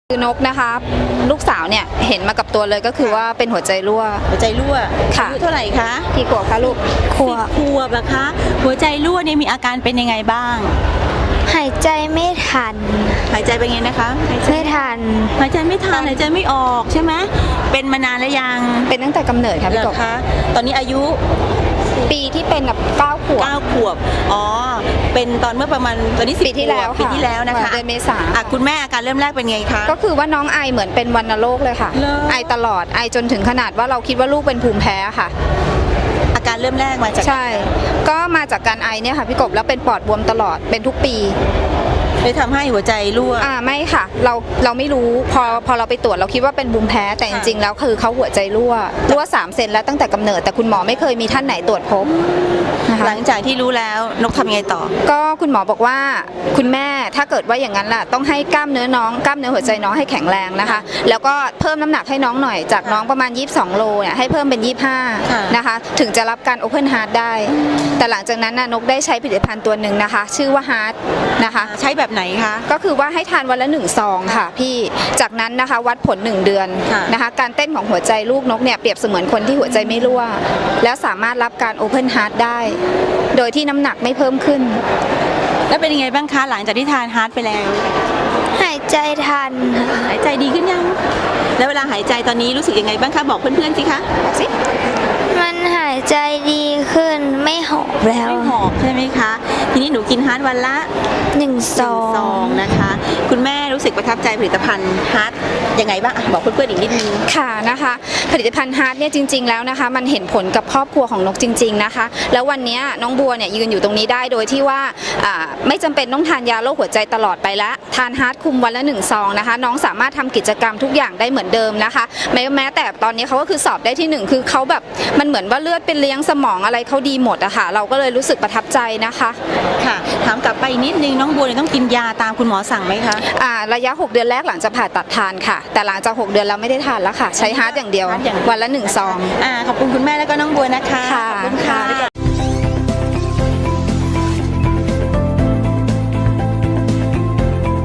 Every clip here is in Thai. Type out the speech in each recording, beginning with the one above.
คือนกนะคะลูกสาวเนี่ยเห็นมากับตัวเลยก็คือว่าเป็นหัวใจรั่วค่ะอายุเท่าไหร่คะกี่ขวบคะลูกขวบเหรอคะหัวใจรั่วเนี่ยมีอาการเป็นยังไงบ้างหายใจไม่ทันหายใจเป็นไงนะคะไม่ทันหายใจไม่ทันหายใจไม่ออกใช่ไหมเป็นมานานแล้วยังเป็นตั้งแต่กำเนิดค่ะพี่กบคะตอนนี้อายุปีที่เป็นแบบ9 ขวบอ๋อเป็นตอนเมื่อประมาณตอนนี้ปีที่แล้วนะคะเดือนเมษาคุณแม่อาการเริ่มแรกเป็นไงคะก็คือว่าน้องไอเหมือนเป็นวัณโรคเลยค่ะไอตลอดไอจนถึงขนาดว่าเราคิดว่าลูกเป็นภูมิแพ้ค่ะอาการเริ่มแรกมาจากใช่ก็มาจากการไอเนี่ยค่ะพี่กบแล้วเป็นปอดบวมตลอดเป็นทุกปีเลยทำให้หัวใจรั่วไม่ค่ะเราไม่รู้พอเราไปตรวจเราคิดว่าเป็นภูมิแพ้แต่จริงๆแล้วคือเขาหัวใจรั่ว3 เซนแล้วตั้งแต่กำเนิดแต่คุณหมอไม่เคยมีท่านไหนตรวจพบนะคะหลังจากที่รู้แล้วนกทำยังไงต่อก็คุณหมอบอกว่าคุณแม่ถ้าเกิดว่าอย่างนั้นล่ะต้องให้กล้ามเนื้อหัวใจน้องให้แข็งแรงนะคะแล้วก็เพิ่มน้ำหนักให้น้องหน่อยจากน้องประมาณ22 โลเนี่ยให้เพิ่มเป็น25นะคะถึงจะรับการ Open Heart ได้แต่หลังจากนั้นนกได้ใช้ผลิตภัณฑ์ตัวหนึ่งนะคะชื่อว่า Heart นะคะใช้แบบไหนคะก็คือว่าให้ทานวันละ1 ซองค่ะพี่จากนั้นนะคะวัดผล1 เดือนนะคะการเต้นของหัวใจลูกนกเนี่ยเปรียบเสมือนคนที่หัวใจไม่รั่วแล้วสามารถรับการ Open Heart ได้โดยที่น้ำหนักไม่เพิ่มขึ้นแล้วเป็นยังไงบ้างคะหลังจากที่ทานฮาร์ทไปแล้วหายใจทันหายใจดีขึ้นยังแล้วเวลาหายใจตอนนี้รู้สึกยังไงบ้างคะบอกเพื่อนๆสิคะบอกสิมันหายใจดีขึ้นไม่หอบแล้วไม่หอบใช่ไหมคะทีนี้หนูกินฮาร์ทวันละ 1 ซองนะคะคุณแม่รู้สึกประทับใจผลิตภัณฑ์ฮาร์ทยังไงบ้างบอกเพื่อนๆอีกนิดนึงค่ะนะคะผลิตภัณฑ์ฮาร์ทเนี่ยจริงๆแล้วนะคะมันเห็นผลกับครอบครัวของนกจริงๆนะคะแล้ววันนี้น้องบัวเนี่ยยืนอยู่ตรงนี้ได้โดยที่ว่าไม่จำเป็นต้องทานยาโรคหัวใจตลอดไปละทานฮาร์ทคุมวันละ1 ซองนะคะน้องสามารถทำกิจกรรมทุกอย่างได้เหมือนเดิมนะคะแม้แต่ตอนนี้เขาก็คือสอบได้ที่1คือเขาแบบมันเหมือนว่าเลือดเป็นเลี้ยงสมองอะไรเขาดีหมดอะค่ะเราก็เลยรู้สึกประทับใจนะคะค่ะถามกลับไปนิดนึงน้องบัวต้องกินยาตามคุณหมอสั่งไหมคะระยะ6 เดือนแรกหลังจากผ่าตัดทานค่ะแต่หลังจาก6 เดือนเราไม่ได้ทานแล้วค่ะใช้ฮาร์ทอย่างเดียววันละ1 ซองขอบคุณคุณแม่แล้วก็น้องบัวนะคะขอบคุณค่ะ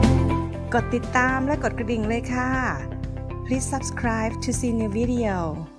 กดติดตามและกดกระดิ่งเลยค่ะ Please subscribe to see new video